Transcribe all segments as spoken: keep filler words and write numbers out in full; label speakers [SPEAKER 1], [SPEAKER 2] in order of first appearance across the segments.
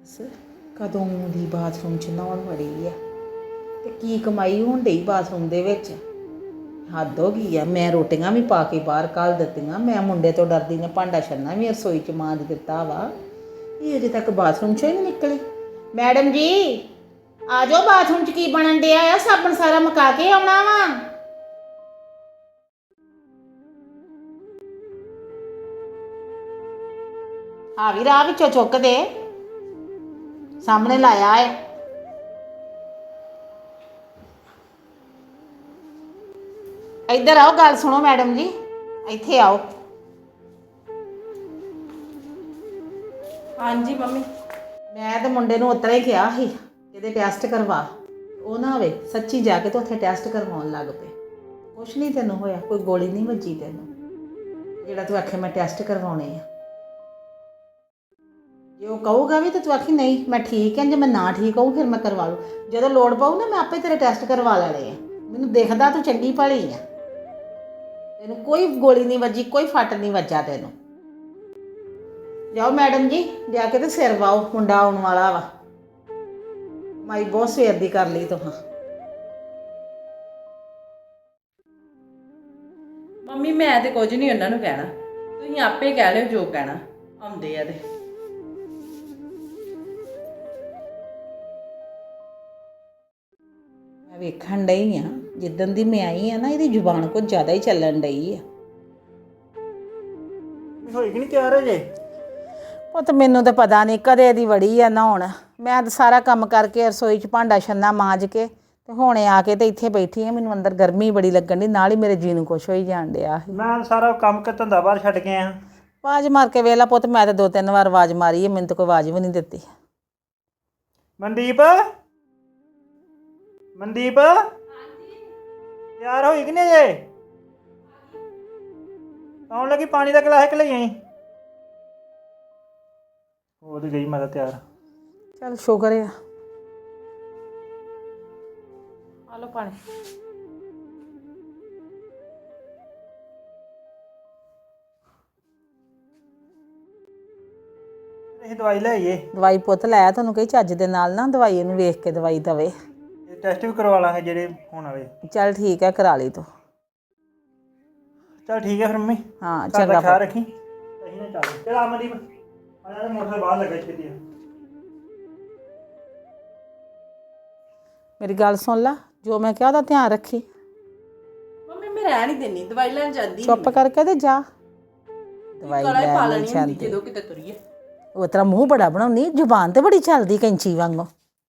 [SPEAKER 1] ਬਸ ਕਦੋਂ ਦੀ ਬਾਥਰੂਮ 'ਚ ਨਹਾਉਣ ਵੜੀ ਆ ਤੇ ਕੀ ਕਮਾਈ ਹੋਣ ਡਈ ਬਾਥਰੂਮ ਦੇ ਵਿੱਚ। ਹੱਦ ਹੋ ਗਈ ਆ। ਮੈਂ ਰੋਟੀਆਂ ਵੀ ਪਾ ਕੇ ਬਾਹਰ ਘੱਲ ਦਿੱਤੀਆਂ। ਮੈਂ ਮੁੰਡੇ ਤੋਂ ਡਰਦੀ ਨੇ ਭਾਂਡਾ ਛੰਨਾ ਵੀ ਰਸੋਈ 'ਚ ਮਾਂਜ ਦਿੱਤਾ ਵਾ। ਇਹ ਅਜੇ ਤੱਕ ਬਾਥਰੂਮ 'ਚੋਂ ਹੀ ਨਹੀਂ ਨਿਕਲੀ। ਮੈਡਮ ਜੀ ਆ ਜਾਓ, ਬਾਥਰੂਮ 'ਚ ਕੀ ਬਣਨ ਡਿਆ ਆ? ਸਾਬਣ ਸਾਰਾ ਮੁਕਾ ਕੇ ਆਉਣਾ ਵਾ। ਆ ਵੀ ਰਾਹ ਵਿੱਚੋਂ ਚੁੱਕ ਦੇ, ਸਾਹਮਣੇ ਲਾਇਆ ਹੈ। ਇੱਧਰ ਆਓ, ਗੱਲ ਸੁਣੋ ਮੈਡਮ ਜੀ, ਇੱਥੇ ਆਓ।
[SPEAKER 2] ਹਾਂਜੀ ਮੰਮੀ।
[SPEAKER 1] ਮੈਂ ਤਾਂ ਮੁੰਡੇ ਨੂੰ ਉਤਰਾ ਹੀ ਕਿਹਾ ਸੀ ਇਹਦੇ ਟੈਸਟ ਕਰਵਾ। ਉਹ ਨਾ ਹੋਵੇ ਸੱਚੀ ਜਾ ਕੇ ਤਾਂ ਉੱਥੇ ਟੈਸਟ ਕਰਵਾਉਣ ਲੱਗ ਪਏ। ਕੁਛ ਨਹੀਂ ਤੈਨੂੰ ਹੋਇਆ, ਕੋਈ ਗੋਲੀ ਨਹੀਂ ਵੱਜੀ ਤੈਨੂੰ, ਜਿਹੜਾ ਤੂੰ ਆਖੇ ਮੈਂ ਟੈਸਟ ਕਰਵਾਉਣੇ ਆ। ਜੇ ਉਹ ਕਹੂਗਾ ਵੀ ਤਾਂ ਤੂੰ ਆਖੀ ਨਹੀਂ ਮੈਂ ਠੀਕ ਹਾਂ, ਜੇ ਮੈਂ ਨਾ ਠੀਕ ਹੋਊ ਫਿਰ ਮੈਂ ਕਰਵਾ ਲੂ। ਜਦੋਂ ਲੋੜ ਪਊ ਨਾ ਮੈਂ ਆਪੇ ਤੇਰੇ ਟੈਸਟ ਕਰਵਾ ਲੈਣੇ ਆ। ਮੈਨੂੰ ਦਿਖਦਾ ਤੂੰ ਚੰਗੀ ਭਲੀ ਆ, ਤੈਨੂੰ ਕੋਈ ਗੋਲੀ ਨਹੀਂ ਵੱਜੀ, ਕੋਈ ਫੱਟ ਨਹੀਂ ਵੱਜਾ ਤੈਨੂੰ। ਜਾਓ ਮੈਡਮ ਜੀ, ਜਾ ਕੇ ਤੇ ਸਿਰ ਵਾਓ, ਮੁੰਡਾ ਆਉਣ ਵਾਲਾ ਵਾ। ਮਾਈ ਬਹੁਤ ਸਵੇਰ ਦੀ ਕਰ ਲਈ ਤੁਹਾਂ।
[SPEAKER 2] ਮੰਮੀ ਮੈਂ ਤੇ ਕੁਝ ਨਹੀਂ ਉਹਨਾਂ ਨੂੰ ਕਹਿਣਾ, ਤੁਸੀਂ ਆਪੇ ਕਹਿ ਲਿਓ ਜੋ ਕਹਿਣਾ। ਆਉਂਦੇ ਆ ਤੇ
[SPEAKER 1] ਮੈਂ ਵੇਖਣ ਡਈ ਆ, ਜਿੱਦਣ ਦੀ ਮੈਂ ਆਈ ਆ ਨਾ ਇਹਦੀ ਜ਼ੁਬਾਨ ਕੁਝ ਜ਼ਿਆਦਾ ਹੀ ਚੱਲਣ ਡਈ ਆ।
[SPEAKER 3] ਹੋਈ ਕਿ ਨਹੀਂ ਤਿਆਰ ਜੇ?
[SPEAKER 1] ਉਹ ਤਾਂ ਮੈਨੂੰ ਤਾਂ ਪਤਾ ਨਹੀਂ ਕਦੇ ਦੀ ਵੜੀ ਆ ਨਹਾਉਣ। ਮੈਂ ਤਾਂ ਸਾਰਾ ਕੰਮ ਕਰਕੇ ਰਸੋਈ 'ਚ ਭਾਂਡਾ ਛੰਨਾ ਮਾਂਜ ਕੇ ਤੇ ਹੁਣੇ ਆ ਕੇ ਤੇ ਇੱਥੇ ਬੈਠੀ ਆ। ਮੈਨੂੰ ਅੰਦਰ ਗਰਮੀ ਬੜੀ ਲੱਗਣ ਦੀ, ਨਾਲ ਹੀ ਮੇਰੇ ਜੀ ਨੂੰ ਕੁਛ ਹੋਈ ਜਾਣ ਡਿਆ।
[SPEAKER 3] ਮੈਂ ਸਾਰਾ ਕੰਮ ਕਰ ਧੰਦਾ ਬਾਹਰ ਛੱਡ ਕੇ ਆਇਆ।
[SPEAKER 1] ਆਵਾਜ਼ ਮਾਰ ਕੇ ਵੇਲਾ ਪੁੱਤ, ਮੈਂ ਤਾਂ ਦੋ ਤਿੰਨ ਵਾਰ ਆਵਾਜ਼ ਮਾਰੀ ਹੈ, ਮੈਨੂੰ ਤਾਂ ਕੋਈ ਆਵਾਜ਼ ਵੀ ਨਹੀਂ ਦਿੱਤੀ।
[SPEAKER 3] ਮਨਦੀਪ ਮਨਦੀਪ ਤਿਆਰ ਹੋਈ ਕਿ ਨਹੀਂ ਜੇ? ਆਉਣ ਲੱਗੀ, ਪਾਣੀ ਦਾ ਗਲਾਸ ਕਿ ਲਈ ਆਈ? ਉਹ ਤੇ ਗਈ, ਮੈਂ ਤਾਂ ਤਿਆਰ।
[SPEAKER 1] ਚੱਲ ਸ਼ੁਕਰ ਆ।
[SPEAKER 2] ਆ ਲਓ ਪਾਣੀ।
[SPEAKER 3] ਇਹ ਦਵਾਈ ਲੈ ਆਈਏ।
[SPEAKER 1] ਦਵਾਈ ਪੁੱਤ ਲੈ, ਤੁਹਾਨੂੰ ਕਹੀ ਚੱਜ ਦੇ ਨਾਲ ਨਾ ਦਵਾਈ ਇਹਨੂੰ ਵੇਖ ਕੇ ਦਵਾਈ ਦਵੇ।
[SPEAKER 3] ਇਹ ਟੈਸਟ ਵੀ ਕਰਵਾ ਲਾਂਗੇ ਜਿਹੜੇ ਹੋਣ ਵਾਲੇ।
[SPEAKER 1] ਚੱਲ ਠੀਕ ਹੈ, ਕਰਾ ਲਈ ਤੂੰ।
[SPEAKER 3] ਚੱਲ ਠੀਕ ਹੈ ਫਿਰ ਮੰਮੀ।
[SPEAKER 1] ਹਾਂ
[SPEAKER 3] ਚੰਗਾ,
[SPEAKER 1] ਚੰਗਾ
[SPEAKER 3] ਖਿਆਲ ਰੱਖੀ। ਅਸੀਂ ਨਾ ਚੱਲ ਚੱਲ ਆ ਮਨਦੀਪ, ਆ ਜਾ, ਮੋਟਰ ਬਾਹਰ ਲੱਗਾ ਛੇਤੀ।
[SPEAKER 1] ਮੇਰੀ ਗੱਲ ਸੁਣ ਲਾ, ਜੋ ਮੈਂ ਕਿਹਾ ਉਹਦਾ ਧਿਆਨ ਰੱਖੀ।
[SPEAKER 2] ਮੰਮੀ ਮੈਂ ਰਹਿ ਨਹੀਂ ਦਿੰਦੀ, ਦਵਾਈ ਲੈਣ ਜਾਂਦੀ
[SPEAKER 1] ਚੁੱਪ ਕਰਕੇ ਤੇ ਜਾ। ਦਵਾਈ
[SPEAKER 2] ਗਲਾ ਹੀ ਪਾ
[SPEAKER 1] ਲੈ
[SPEAKER 2] ਲੈਣੀ ਹੁੰਦੀ ਜਦੋਂ ਕਿਤੇ ਤੁਰੀਏ।
[SPEAKER 1] ਉਹ ਤੇਰਾ ਮੂੰਹ ਬੜਾ ਬਣਾਉਣੀ, ਜ਼ੁਬਾਨ ਤੇ ਬੜੀ ਚੱਲਦੀ ਕੈਂਚੀ ਵਾਂਗੂ।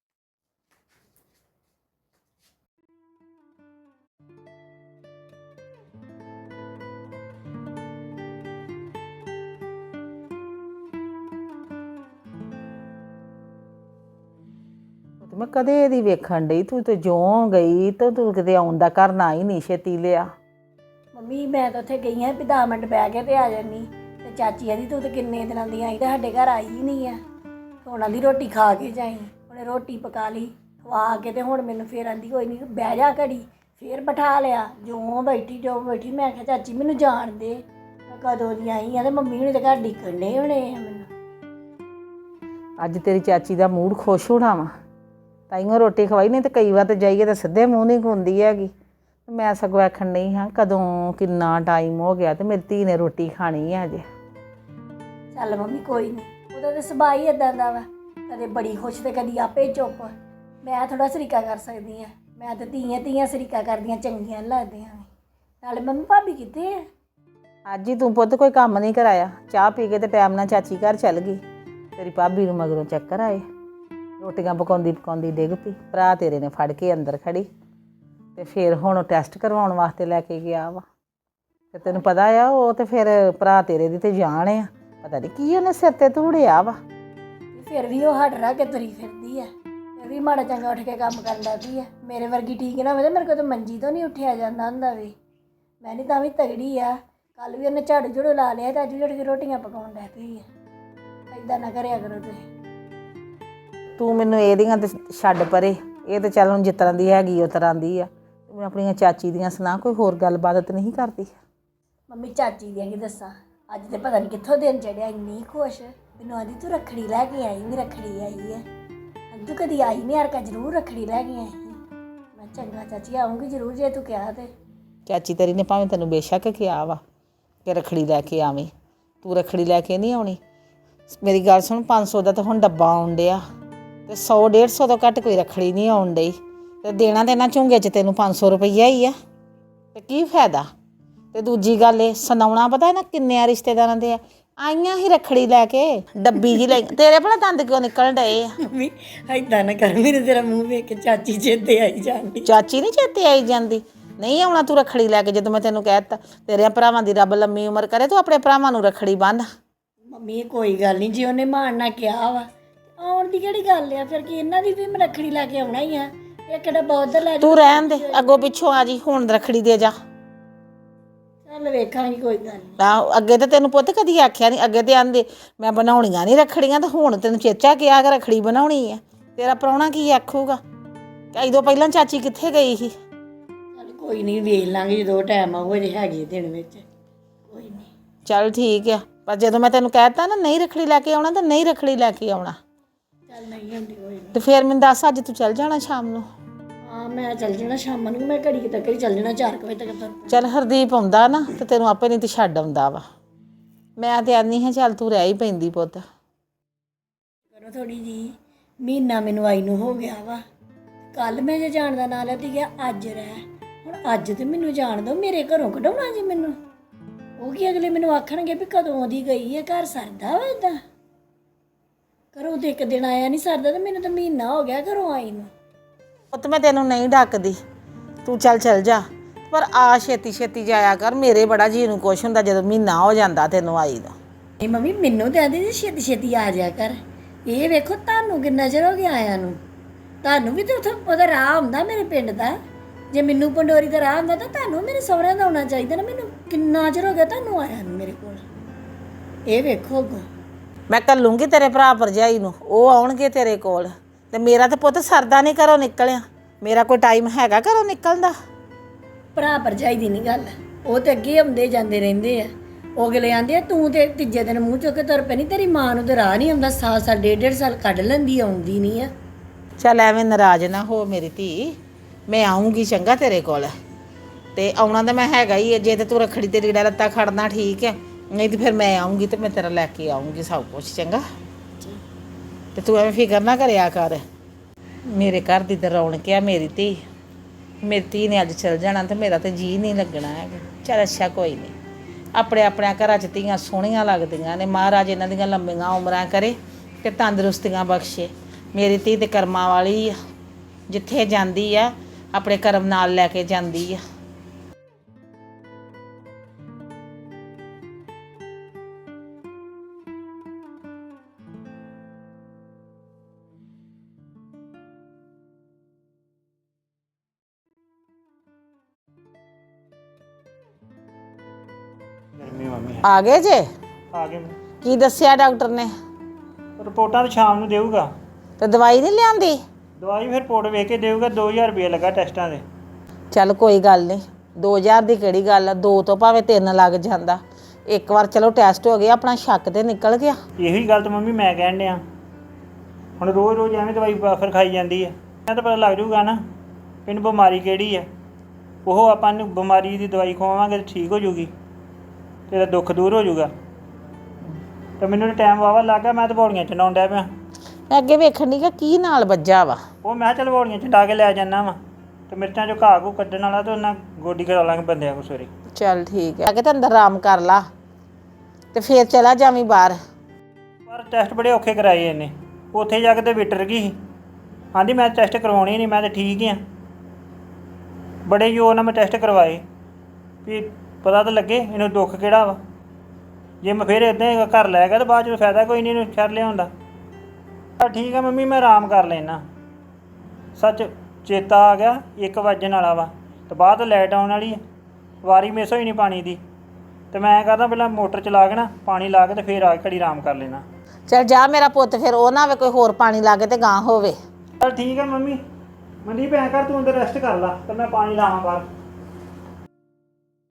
[SPEAKER 1] ਮੈਂ ਕਦੇ ਦੀ ਵੇਖਣ ਡਈ, ਤੂੰ ਤੇ ਜਿਉਂ ਗਈ ਤੇ ਤੂੰ ਕਿਤੇ ਆਉਣ ਦਾ ਕਰਨਾ ਹੀ ਨਹੀਂ ਛੇਤੀ ਲਿਆ।
[SPEAKER 4] ਮੰਮੀ ਮੈਂ ਤਾਂ ਉੱਥੇ ਗਈ ਹਾਂ ਵੀ ਦਸ ਮਿੰਟ ਬਹਿ ਕੇ ਤੇ ਆ ਜਾਨੀ। ਤੇ ਚਾਚੀ ਆਂਦੀ ਤੂੰ ਤਾਂ ਕਿੰਨੇ ਦਿਨਾਂ ਦੀ ਆਈ ਤੇ ਸਾਡੇ ਘਰ ਆਈ ਹੀ ਨਹੀਂ ਆ। ਉਹਨਾਂ ਦੀ ਰੋਟੀ ਖਾ ਕੇ ਜਾਈ। ਉਹਨੇ ਰੋਟੀ ਪਕਾ ਲਈ, ਖਵਾ ਕੇ ਤੇ ਹੁਣ ਮੈਨੂੰ ਫੇਰ ਆਂਦੀ ਕੋਈ ਨਹੀਂ ਬਹਿ ਜਾ ਘੜੀ। ਫੇਰ ਬਿਠਾ ਲਿਆ, ਜਿਉਂ ਬੈਠੀ ਜੋ ਬੈਠੀ। ਮੈਂ ਕਿਹਾ ਚਾਚੀ ਮੈਨੂੰ ਜਾਣ ਦੇ, ਮੈਂ ਕਦੋਂ ਦੀ ਆਈ ਆ ਤੇ ਮੰਮੀ ਹੁਣੀ ਤਾਂ ਘਰ ਡਿੱਕਣ ਡੇ ਹੋਣੇ ਆ ਮੈਨੂੰ।
[SPEAKER 1] ਅੱਜ ਤੇਰੀ ਚਾਚੀ ਦਾ ਮੂਡ ਖੁਸ਼ ਹੋਣਾ ਵਾ, ਤਾਈਓ ਰੋਟੀ ਖਵਾਈ। ਨਹੀਂ ਤੇ ਕਈ ਵਾਰ ਤਾਂ ਜਾਈਏ ਤਾਂ ਸਿੱਧੇ ਮੂੰਹ ਨਹੀਂ ਖੁੰਦੀ ਹੈਗੀ। ਮੈਂ ਸਗੋਂ ਆਖਣ ਨਹੀਂ ਹਾਂ ਕਦੋਂ ਕਿੰਨਾ ਟਾਈਮ ਹੋ ਗਿਆ ਤੇ ਮੇਰੀ ਧੀ ਨੇ ਰੋਟੀ ਖਾਣੀ ਹੈ ਅਜੇ।
[SPEAKER 4] ਚੱਲ ਮੰਮੀ ਕੋਈ ਨਹੀਂ, ਉਹਦਾ ਤਾਂ ਸੁਭਾਅ ਹੀ ਇੱਦਾਂ ਦਾ ਵਾ, ਕਦੇ ਬੜੀ ਖੁਸ਼ ਤੇ ਕਦੀ ਆਪੇ ਚੁੱਪ। ਮੈਂ ਥੋੜਾ ਸਰੀਕਾ ਕਰ ਸਕਦੀ ਹਾਂ, ਮੈਂ ਤਾਂ ਧੀਆਂ ਧੀਆਂ ਸਰੀਕਾ ਕਰਦੀਆਂ ਚੰਗੀਆਂ ਲੱਗਦੀਆਂ। ਨਾਲੇ ਮੰਮੀ ਭਾਬੀ ਕਿੱਥੇ ਆ?
[SPEAKER 1] ਅੱਜ ਹੀ ਤੂੰ ਪੁੱਤ ਕੋਈ ਕੰਮ ਨਹੀਂ ਕਰਾਇਆ, ਚਾਹ ਪੀ ਕੇ ਤੇ ਟਾਈਮ ਨਾਲ ਚਾਚੀ ਘਰ ਚੱਲ ਗਈ। ਤੇਰੀ ਭਾਬੀ ਨੂੰ ਮਗਰੋਂ ਚੱਕਰ ਆਏ, ਰੋਟੀਆਂ ਪਕਾਉਂਦੀ ਪਕਾਉਂਦੀ ਡਿੱਗ ਪਈ। ਭਰਾ ਤੇਰੇ ਨੇ ਫੜ ਕੇ ਅੰਦਰ ਖੜੀ ਤੇ ਫਿਰ ਹੁਣ ਟੈਸਟ ਕਰਵਾਉਣ ਵਾਸਤੇ ਲੈ ਕੇ ਗਿਆ ਵਾ। ਤੇ ਤੈਨੂੰ ਪਤਾ ਆ ਉਹ ਤੇ ਫਿਰ ਭਰਾ ਤੇਰੇ ਦੀ ਤੇ ਜਾਣ ਆ, ਪਤਾ ਨਹੀਂ ਕੀ ਉਹਨੇ ਸਿਰ ਤੇ ਧੂੜਿਆ ਵਾ।
[SPEAKER 4] ਫਿਰ ਵੀ ਉਹ ਹੱਡ ਰਹਿ ਕੇ ਤੁਰੀ ਫਿਰਦੀ ਆ। ਫਿਰ ਵੀ ਮਾੜਾ ਚੰਗਾ ਉੱਠ ਕੇ ਕੰਮ ਕਰਨ ਲੱਗੀ ਆ। ਮੇਰੇ ਵਰਗੀ ਠੀਕ ਨਾ ਹੋਵੇ ਤਾਂ ਮੇਰੇ ਕੋਲ ਤਾਂ ਮੰਜੀ ਤੋਂ ਨਹੀਂ ਉੱਠਿਆ ਜਾਂਦਾ ਹੁੰਦਾ ਵੀ। ਮੈਂ ਨਹੀਂ ਤਾਂ ਵੀ ਤਗੜੀ ਆ। ਕੱਲ ਵੀ ਉਹਨੇ ਝਾੜੂ ਝੂੜੂ ਲਾ ਲਿਆ ਤੇ ਅੱਜ ਵੀ ਉੱਠ ਕੇ ਰੋਟੀਆਂ ਪਕਾਉਣ ਲੱਗ ਪਈ ਆ। ਇੱਦਾਂ ਨਾ ਕਰਿਆ ਕਰੋ ਤੁਸੀਂ।
[SPEAKER 1] ਤੂੰ ਮੈਨੂੰ ਇਹਦੀਆਂ ਤੇ ਛੱਡ ਪਰੇ, ਇਹ ਤਾਂ ਚੱਲ ਹੁਣ ਜਿਸ ਤਰ੍ਹਾਂ ਦੀ ਹੈਗੀ ਉਸ ਤਰ੍ਹਾਂ ਦੀ ਆ। ਤੂੰ ਆਪਣੀਆਂ ਚਾਚੀ ਦੀਆਂ ਸੁਣਾ, ਕੋਈ ਹੋਰ ਗੱਲਬਾਤ ਤਾਂ ਨਹੀਂ ਕਰਦੀ?
[SPEAKER 4] ਮੰਮੀ ਚਾਚੀ ਦੀਆਂ ਕੀ ਦੱਸਾਂ, ਅੱਜ ਤੇ ਪਤਾ ਨਹੀਂ ਕਿੱਥੋਂ ਦਿਨ ਚੜਿਆ, ਇੰਨੀ ਖੁਸ਼। ਮੈਨੂੰ ਆਂਦੀ ਤੂੰ ਰੱਖੜੀ ਲੈ ਕੇ ਆਈ ਵੀ ਰੱਖੜੀ ਆਈ ਹੈ ਤੂੰ ਕਦੀ ਆਈ ਨਹੀਂ ਯਾਰ ਕਾ ਜ਼ਰੂਰ ਰੱਖੜੀ ਲੈ ਕੇ ਆਈ ਮੈਂ ਚੰਗਾ ਚਾਚੀ ਆਉਂਗੀ ਜ਼ਰੂਰ ਜੇ ਤੂੰ ਕਿਹਾ ਤੇ
[SPEAKER 1] ਚਾਚੀ ਤੇਰੀ ਨੇ ਭਾਵੇਂ ਤੈਨੂੰ ਬੇਸ਼ੱਕ ਕਿਹਾ ਵਾ ਕਿ ਰੱਖੜੀ ਲੈ ਕੇ ਆਵੀਂ, ਤੂੰ ਰੱਖੜੀ ਲੈ ਕੇ ਨਹੀਂ ਆਉਣੀ। ਮੇਰੀ ਗੱਲ ਸੁਣ, ਪੰਜ ਸੌ ਦਾ ਤਾਂ ਹੁਣ ਡੱਬਾ ਆਉਣ ਡਿਆ ਤੇ ਸੌ ਡੇਢ ਸੌ ਤੋਂ ਘੱਟ ਕੋਈ ਰੱਖੜੀ ਨਹੀਂ ਆਉਣ ਡਈ ਤੇ ਦੇਣਾ ਤੇ ਇਹਨਾਂ ਝੁੰਗੇ 'ਚ ਤੈਨੂੰ ਪੰਜ ਸੌ ਰੁਪਈਆ ਹੀ ਆ ਤੇ ਕੀ ਫਾਇਦਾ। ਤੇ ਦੂਜੀ ਗੱਲ ਇਹ ਸੁਣਾਉਣਾ ਪਤਾ ਨਾ ਕਿੰਨੇ ਰਿਸ਼ਤੇਦਾਰਾਂ ਦੇ ਆ ਆਈਆਂ ਹੀ ਰੱਖੜੀ ਲੈ ਕੇ ਡੱਬੀ ਜੀ ਲੈ ਤੇਰੇ ਭਲਾ ਦੰਦ ਕਿਉਂ ਨਿਕਲਣ ਡਏ ਆ।
[SPEAKER 4] ਮੰਮੀ ਏਦਾਂ ਨਾ ਕਰ ਮੇਰੇ ਤੇਰਾ ਮੂੰਹ ਵੇਖ ਕੇ ਚਾਚੀ ਚੇਤੇ ਆਈ ਜਾਂਦੀ।
[SPEAKER 1] ਚਾਚੀ ਨਹੀਂ ਚੇਤੇ ਆਈ ਜਾਂਦੀ, ਨਹੀਂ ਆਉਣਾ ਤੂੰ ਰੱਖੜੀ ਲੈ ਕੇ। ਜਦੋਂ ਮੈਂ ਤੈਨੂੰ ਕਹਿ ਦਿੱਤਾ ਤੇਰੇ ਭਰਾਵਾਂ ਦੀ ਰੱਬ ਲੰਮੀ ਉਮਰ ਕਰੇ, ਤੂੰ ਆਪਣੇ ਭਰਾਵਾਂ ਨੂੰ ਰੱਖੜੀ ਬੰਨ੍ਹ।
[SPEAKER 4] ਮੰਮੀ ਇਹ ਕੋਈ ਗੱਲ ਨਹੀਂ, ਜੇ ਉਹਨੇ ਮਾਣ ਨਾ ਕਿਹਾ ਵਾ ਆਉਣ ਦੀ ਕਿਹੜੀ ਗੱਲ ਆ ਫਿਰ ਕੀ ਇਹਨਾਂ ਦੀ ਵੀ ਮੈਂ ਰੱਖੜੀ ਲੈ ਕੇ ਆਉਣਾ ਹੀ ਆ। ਇਹ ਕਿਹੜਾ ਬਹੁਤ ਲੈ
[SPEAKER 1] ਤੂੰ ਰਹਿਣ ਦੇ, ਅੱਗੋਂ ਪਿੱਛੋਂ ਆ ਜੀ, ਹੁਣ ਰੱਖੜੀ ਦੇ ਜਾ।
[SPEAKER 4] ਚੱਲ ਵੇਖਾਂਗੀ ਕੋਈ ਗੱਲ ਨਹੀਂ।
[SPEAKER 1] ਆਹੋ ਅੱਗੇ ਤੇ ਤੈਨੂੰ ਪੁੱਤ ਕਦੀ ਆਖਿਆ ਨਹੀਂ, ਅੱਗੇ ਤੇ ਆਂਦੇ ਮੈਂ ਬਣਾਉਣੀਆਂ ਨਹੀਂ ਰੱਖੜੀਆਂ, ਤੇ ਹੁਣ ਤੈਨੂੰ ਚੇਚਾ ਕਿਹਾ ਕਿ ਰੱਖੜੀ ਬਣਾਉਣੀ ਆ। ਤੇਰਾ ਪ੍ਰਾਹੁਣਾ ਕੀ ਆਖੂਗਾ ਕਿ ਇਦੋਂ ਪਹਿਲਾਂ ਚਾਚੀ ਕਿੱਥੇ ਗਈ ਸੀ।
[SPEAKER 4] ਚੱਲ ਕੋਈ ਨਹੀਂ ਵੇਖ ਲਾਂਗੇ ਜਦੋਂ ਟਾਈਮ ਆਊਗਾ ਜੇ ਹੈਗੀ ਦਿਨ ਵਿੱਚ ਕੋਈ ਨਹੀਂ।
[SPEAKER 1] ਚੱਲ ਠੀਕ ਆ, ਪਰ ਜਦੋਂ ਮੈਂ ਤੈਨੂੰ ਕਹਿ ਦਿੱਤਾ ਨਾ ਨਹੀਂ ਰੱਖੜੀ ਲੈ ਕੇ ਆਉਣਾ ਤਾਂ ਨਹੀਂ ਰੱਖੜੀ ਲੈ ਕੇ ਆਉਣਾ।
[SPEAKER 4] ਚੱਲ ਨਹੀਂ ਹੁੰਦੀ ਕੋਈ ਨਹੀਂ।
[SPEAKER 1] ਤੇ ਫਿਰ ਮੈਨੂੰ ਦੱਸ ਅੱਜ ਤੂੰ ਚੱਲ ਜਾਣਾ ਸ਼ਾਮ ਨੂੰ।
[SPEAKER 4] ਹਾਂ ਮੈਂ ਚੱਲ ਜਾਣਾ ਸ਼ਾਮ ਨੂੰ, ਮੈਂ ਘੜੀ ਕੁ ਤੱਕ ਹੀ ਚੱਲ ਜਾਣਾ ਚਾਰ ਕੁ ਵਜੇ ਤੱਕ ਤਾਂ।
[SPEAKER 1] ਚੱਲ ਹਰਦੀਪ ਆਉਂਦਾ ਨਾ ਤੇ ਤੈਨੂੰ ਆਪੇ ਨਹੀਂ ਤੇ ਛੱਡ ਆਉਂਦਾ ਵਾ। ਮੈਂ ਤੇ ਆਨੀ ਹਾਂ ਚੱਲ ਤੂੰ ਰਹਿ ਹੀ ਪੈਂਦੀ ਪੁੱਤ।
[SPEAKER 4] ਕਰੋ ਥੋੜੀ ਜੀ, ਮਹੀਨਾ ਮੈਨੂੰ ਆਈ ਨੂੰ ਹੋ ਗਿਆ ਵਾ। ਕੱਲ ਮੈਂ ਜੇ ਜਾਣ ਦਾ ਨਾਂ ਲੈਤੀ ਗਿਆ ਅੱਜ ਰਹਿ, ਹੁਣ ਅੱਜ ਤੇ ਮੈਨੂੰ ਜਾਣ ਦੋ, ਮੇਰੇ ਘਰੋਂ ਕਢਾਉਣਾ ਜੀ ਮੈਨੂੰ। ਉਹ ਕੀ ਅਗਲੇ ਮੈਨੂੰ ਆਖਣਗੇ ਵੀ ਕਦੋਂ ਦੀ ਗਈ ਹੈ, ਘਰ ਸਰਦਾ ਵਾ ਏਦਾਂ। ਘਰੋਂ ਤੇ ਇੱਕ ਦਿਨ ਆਇਆ ਨਹੀਂ ਸਰਦਾ ਤੇ ਮੈਨੂੰ ਤਾਂ ਮਹੀਨਾ ਹੋ ਗਿਆ ਘਰੋਂ ਆਈ ਨੂੰ।
[SPEAKER 1] ਪੁੱਤ ਮੈਂ ਤੈਨੂੰ ਨਹੀਂ ਡੱਕਦੀ, ਤੂੰ ਚੱਲ ਚੱਲ ਜਾ, ਪਰ ਆ ਛੇਤੀ ਛੇਤੀ ਜਾਇਆ ਕਰ। ਮੇਰੇ ਬੜਾ ਜੀ ਨੂੰ ਕੁਛ ਹੁੰਦਾ ਜਦੋਂ ਮਹੀਨਾ ਹੋ ਜਾਂਦਾ ਤੈਨੂੰ ਆਈ ਦਾ।
[SPEAKER 4] ਨਹੀਂ ਮੰਮੀ ਮੈਨੂੰ ਤਾਂ ਆਂਦੀ ਸੀ ਛੇਤੀ ਛੇਤੀ ਆ ਜਾ ਕਰ। ਇਹ ਵੇਖੋ ਤੁਹਾਨੂੰ ਕਿੰਨਾ ਚਿਰ ਹੋ ਗਿਆ ਆਇਆਂ ਨੂੰ, ਤੁਹਾਨੂੰ ਵੀ ਤਾਂ ਉੱਥੇ ਉਹਦਾ ਰਾਹ ਹੁੰਦਾ ਮੇਰੇ ਪਿੰਡ ਦਾ। ਜੇ ਮੈਨੂੰ ਪੰਡੋਰੀ ਦਾ ਰਾਹ ਹੁੰਦਾ ਤਾਂ ਤੁਹਾਨੂੰ ਮੇਰੇ ਸਹੁਰਿਆਂ ਦਾ ਆਉਣਾ ਚਾਹੀਦਾ ਨਾ। ਮੈਨੂੰ ਕਿੰਨਾ ਚਿਰ ਹੋ ਗਿਆ ਤੁਹਾਨੂੰ ਆਇਆ ਨੂੰ ਮੇਰੇ ਕੋਲ। ਇਹ ਵੇਖੋ
[SPEAKER 1] ਮੈਂ ਘੱਲੂੰਗੀ ਤੇਰੇ ਭਰਾ ਭਰਜਾਈ ਨੂੰ, ਉਹ ਆਉਣਗੇ ਤੇਰੇ ਕੋਲ। ਤੇ ਮੇਰਾ ਤਾਂ ਪੁੱਤ ਸਰਦਾ ਨਹੀਂ ਘਰੋਂ ਨਿਕਲਿਆ, ਮੇਰਾ ਕੋਈ ਟਾਈਮ ਹੈਗਾ ਘਰੋਂ ਨਿਕਲਣ ਦਾ।
[SPEAKER 4] ਭਰਾ ਭਰਜਾਈ ਦੀ ਨਹੀਂ ਗੱਲ, ਉਹ ਤੇ ਅੱਗੇ ਆਉਂਦੇ ਜਾਂਦੇ ਰਹਿੰਦੇ ਆ। ਉਹ ਅਗਲੇ ਆਂਦੇ ਆ ਤੂੰ ਤੇ ਤੀਜੇ ਦਿਨ ਮੂੰਹ ਚੁੱਕ ਕੇ ਤੁਰ ਪੈਣੀ, ਤੇਰੀ ਮਾਂ ਨੂੰ ਤੇ ਰਾਹ ਨਹੀਂ ਆਉਂਦਾ, ਸਾਲ ਸਾਲ ਡੇਢ ਡੇਢ ਸਾਲ ਕੱਢ ਲੈਂਦੀ, ਆਉਂਦੀ ਨਹੀਂ ਆ।
[SPEAKER 1] ਚੱਲ ਐਵੇਂ ਨਾਰਾਜ਼ ਨਾ ਹੋ ਮੇਰੀ ਧੀ, ਮੈਂ ਆਉਂਗੀ ਚੰਗਾ ਤੇਰੇ ਕੋਲ। ਤੇ ਆਉਣਾ ਤਾਂ ਮੈਂ ਹੈਗਾ ਹੀ ਹੈ, ਜੇ ਤੇ ਤੂੰ ਰੱਖੜੀ ਤੇ ਰੀੜਾ ਲੱਤਾ ਖੜਨਾ ਠੀਕ ਹੈ, ਨਹੀਂ ਤੇ ਫਿਰ ਮੈਂ ਆਉਂਗੀ ਤੇ ਮੈਂ ਤੇਰਾ ਲੈ ਕੇ ਆਉਂਗੀ ਸਭ ਕੁਛ ਚੰਗਾ। ਤੇ ਤੂੰ ਐਵੇਂ ਫਿਕਰ ਨਾ ਕਰਿਆ ਕਰ, ਮੇਰੇ ਘਰ ਦੀ ਤਾਂ ਰੌਣਕ ਆ ਮੇਰੀ ਧੀ। ਮੇਰੀ ਧੀ ਨੇ ਅੱਜ ਚਲ ਜਾਣਾ ਤੇ ਮੇਰਾ ਤਾਂ ਜੀ ਨਹੀਂ ਲੱਗਣਾ ਹੈਗਾ। ਚੱਲ ਅੱਛਾ ਕੋਈ ਨਹੀਂ, ਆਪਣੇ ਆਪਣੇ ਘਰਾਂ 'ਚ ਧੀਆਂ ਸੋਹਣੀਆਂ ਲੱਗਦੀਆਂ ਨੇ। ਮਹਾਰਾਜ ਇਹਨਾਂ ਦੀਆਂ ਲੰਮੀਆਂ ਉਮਰਾਂ ਕਰੇ ਤੇ ਤੰਦਰੁਸਤੀਆਂ ਬਖਸ਼ੇ। ਮੇਰੀ ਧੀ ਤੇ ਕਰਮਾਂ ਵਾਲੀ ਆ, ਜਿੱਥੇ ਜਾਂਦੀ ਆ ਆਪਣੇ ਕਰਮ ਨਾਲ ਲੈ ਕੇ ਜਾਂਦੀ ਆ।
[SPEAKER 3] ਗਰਮੀ ਮੰਮੀ
[SPEAKER 1] ਆ ਗਏ ਜੇ?
[SPEAKER 3] ਆ ਗਏ।
[SPEAKER 1] ਕੀ ਦੱਸਿਆ ਡਾਕਟਰ ਨੇ?
[SPEAKER 3] ਰਿਪੋਰਟਾਂ ਤਾਂ ਸ਼ਾਮ ਨੂੰ ਦੇਊਗਾ।
[SPEAKER 1] ਤੇ ਦਵਾਈ ਨਹੀਂ ਲਿਆਂਦੀ?
[SPEAKER 3] ਦਵਾਈ ਫਿਰ ਰਿਪੋਰਟ ਵੇਖ ਕੇ ਦੇਊਗਾ। ਦੋ ਹਜ਼ਾਰ ਰੁਪਏ ਲੱਗਾ ਟੈਸਟਾਂ ਦੇ।
[SPEAKER 1] ਚੱਲ ਕੋਈ ਗੱਲ ਨਹੀਂ, ਦੋ ਹਜ਼ਾਰ ਦੀ ਕਿਹੜੀ ਗੱਲ ਆ, ਦੋ ਤੋਂ ਭਾਵੇਂ ਤਿੰਨ ਲੱਗ ਜਾਂਦਾ। ਇੱਕ ਵਾਰ ਚਲੋ ਟੈਸਟ ਹੋ ਗਿਆ, ਆਪਣਾ ਸ਼ੱਕ ਤੇ ਨਿਕਲ ਗਿਆ।
[SPEAKER 3] ਇਹੋ ਹੀ ਗੱਲ ਤਾਂ ਮੰਮੀ ਮੈਂ ਕਹਿਣ ਡਿਆ। ਹੁਣ ਰੋਜ਼ ਰੋਜ਼ ਐਵੇਂ ਦਵਾਈ ਫਿਰ ਖਾਈ ਜਾਂਦੀ ਹੈ, ਇਹਨਾਂ ਤਾਂ ਪਤਾ ਲੱਗ ਜੂਗਾ ਨਾ ਇਹਨੂੰ ਬਿਮਾਰੀ ਕਿਹੜੀ ਹੈ। ਉਹ ਆਪਾਂ ਨੂੰ ਬਿਮਾਰੀ ਦੀ ਦਵਾਈ ਖਵਾਵਾਂਗੇ ਤਾਂ ਠੀਕ ਹੋ ਜੂਗੀ, ਤੇਰਾ ਦੁੱਖ ਦੂਰ ਹੋ ਜੂਗਾ। ਤੇ ਮੈਨੂੰ ਤਾਂ ਟਾਈਮ ਵਾਵਾ ਲੱਗ ਗਿਆ, ਮੈਂ ਤਾਂ ਬੌੜੀਆਂ ਚੰਡਾਉਣ ਡਿਆ ਪਿਆ।
[SPEAKER 1] ਮੈਂ ਅੱਗੇ ਵੇਖਣ ਦੀ ਕਿ ਕੀ ਨਾਲ ਵੱਜਾ ਵਾ।
[SPEAKER 3] ਉਹ ਮੈਂ ਕਿਹਾ ਚੱਲ ਬੌੜੀਆਂ ਚੰਡਾ ਕੇ ਲੈ ਜਾਂਦਾ ਵਾ, ਤੇ ਮਿਰਚਾਂ ਚੋਂ ਘਾਹ ਘੂ ਕੱਢਣ ਵਾਲਾ ਤਾਂ ਉਹਨਾਂ ਗੋਡੀ ਕਰਾ ਲਾਂਗੇ ਬੰਦਿਆਂ ਕੋਲ ਸਵੇਰੇ।
[SPEAKER 1] ਚੱਲ ਠੀਕ ਹੈ, ਅੱਗੇ ਤਾਂ ਅੰਦਰ ਆਰਾਮ ਕਰ ਲਾ ਤੇ ਫੇਰ ਚਲਾ ਜਾਵੀਂ ਬਾਹਰ।
[SPEAKER 3] ਪਰ ਟੈਸਟ ਬੜੇ ਔਖੇ ਕਰਾਏ ਇਹਨੇ, ਉੱਥੇ ਜਾ ਕੇ ਤੇ ਵਿਟਰ ਗਈ ਸੀ। ਆਂਦੀ ਮੈਂ ਟੈਸਟ ਕਰਵਾਉਣੇ ਨਹੀਂ, ਮੈਂ ਤਾਂ ਠੀਕ ਹੀ ਹਾਂ। ਬੜੇ ਜ਼ੋਰ ਨਾਲ ਮੈਂ ਟੈਸਟ ਕਰਵਾਏ ਵੀ ਪਤਾ ਤਾਂ ਲੱਗੇ ਇਹਨੂੰ ਦੁੱਖ ਕਿਹੜਾ ਵਾ। ਜੇ ਮੈਂ ਫਿਰ ਇੱਦਾਂ ਹੀ ਘਰ ਲੈ ਗਿਆ ਤਾਂ ਬਾਅਦ 'ਚ ਫਾਇਦਾ ਕੋਈ ਨਹੀਂ ਇਹਨੂੰ ਸ਼ਰ ਲਿਆਉਣ ਦਾ। ਤਾਂ ਠੀਕ ਆ ਮੰਮੀ, ਮੈਂ ਆਰਾਮ ਕਰ ਲੈਣਾ। ਸੱਚ ਚੇਤਾ ਆ ਗਿਆ, ਇੱਕ ਵੱਜਣ ਵਾਲਾ ਵਾ ਤੇ ਬਾਅਦ ਲਾਈਟ ਆਉਣ ਵਾਲੀ ਹੈ, ਵਾਰੀ ਮਿਸ ਹੋਈ ਨਹੀਂ ਪਾਣੀ ਦੀ। ਤੇ ਮੈਂ ਕਰਦਾ ਪਹਿਲਾਂ ਮੋਟਰ ਚਲਾ ਕੇ ਨਾ ਪਾਣੀ ਲਾ ਕੇ ਤੇ ਫਿਰ ਆ ਕੇ ਘੜੀ ਆਰਾਮ ਕਰ ਲੈਣਾ।
[SPEAKER 1] ਚੱਲ ਜਾ ਮੇਰਾ ਪੁੱਤ, ਫਿਰ ਉਹ ਨਾ ਹੋਵੇ ਕੋਈ ਹੋਰ ਪਾਣੀ ਲਾ ਕੇ ਤੇ ਗਾਂ ਹੋਵੇ।
[SPEAKER 3] ਚਲ ਠੀਕ ਆ ਮੰਮੀ। ਮਨਦੀਪ ਐਂ ਕਰ ਤੂੰ ਅੰਦਰ ਰੈਸਟ ਕਰ ਲਾ ਤੇ ਮੈਂ ਪਾਣੀ ਲਾਵਾਂ ਬਾਹਰ।